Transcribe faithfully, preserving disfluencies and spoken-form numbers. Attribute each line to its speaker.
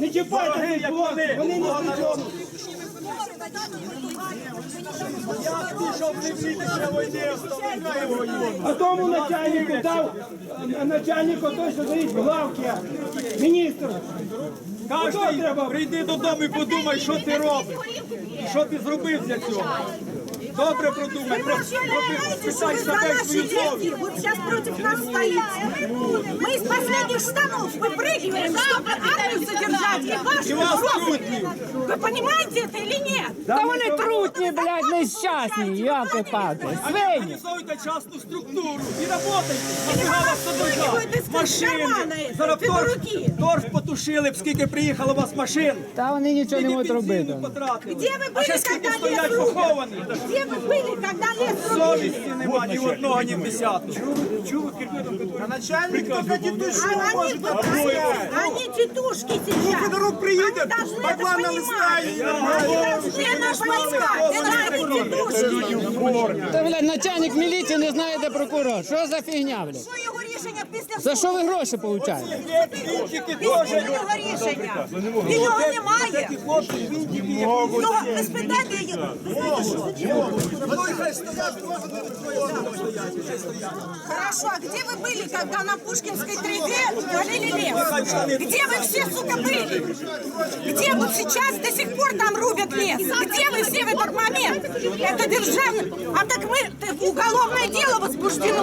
Speaker 1: Не чіпайте цих хлопців, вони не при чому.
Speaker 2: Як ти, щоб не вмітися війни,
Speaker 1: А тому начальнику дав, а начальнику той, що стоїть в главці, міністр.
Speaker 2: Кожний,
Speaker 1: треба?
Speaker 2: прийди додому і подумай, що ти робиш. Що ти зробив для цього. Добре продумай,
Speaker 3: Вы
Speaker 2: про-
Speaker 3: вообще
Speaker 2: про-
Speaker 3: понимаете, что
Speaker 2: спитай
Speaker 3: вы за
Speaker 2: себе
Speaker 3: наши
Speaker 2: свою совість.
Speaker 3: деньги вот сейчас против нас стоите? Мы из последних штанов выпрыгиваем, чтобы армию содержать и ваши
Speaker 2: И вас
Speaker 3: профили.
Speaker 2: трутни.
Speaker 3: Вы понимаете это или нет?
Speaker 4: Та вони трутні, блядь, нещасні, яки пати. Свині.
Speaker 2: Організуйте частну структуру і работайте. Нафіга вас содержать?
Speaker 3: випихуєте з кармана,
Speaker 2: Машини. Зараз
Speaker 3: під
Speaker 2: торф,
Speaker 3: руки.
Speaker 2: торф потушили б, скільки приїхало у вас машин.
Speaker 4: Та вони нічого не
Speaker 2: Скільки
Speaker 4: можуть робити.
Speaker 2: бензину потратили.
Speaker 3: Где вы
Speaker 2: А
Speaker 3: были,
Speaker 2: ще скільки
Speaker 3: когда
Speaker 2: стоять
Speaker 3: лес рубят?
Speaker 2: поховані.
Speaker 3: Где вы были, когда лес рубили?
Speaker 2: Совісті нема ні в одного, ні в десятого.
Speaker 5: А начальник только тетушку
Speaker 3: А они,
Speaker 5: может обстоять.
Speaker 3: они тетушки сейчас.
Speaker 5: Федорук приедет,
Speaker 3: Они должны это
Speaker 5: баклан
Speaker 3: понимать.
Speaker 5: налистает.
Speaker 3: Они должны наш понимать. Это они тетушки.
Speaker 4: Та, блядь, начальник міліції не знає, де прокурор. Що за фігня, блядь?
Speaker 3: Що його рішення після
Speaker 4: За що ви гроші получаєте?
Speaker 2: Вінтики
Speaker 3: Після
Speaker 2: теж.
Speaker 3: його рішення. І його немає.
Speaker 2: Такі хлопці, вінтики.
Speaker 3: Його, ви спитайте його. Хорошо, а где вы были, когда на Пушкинской тропе полили лес? Где вы все, сука, были? Где вот сейчас до сих пор там рубят лес? Где вы все в этот момент? Это державный... А так мы... Уголовное дело возбуждено.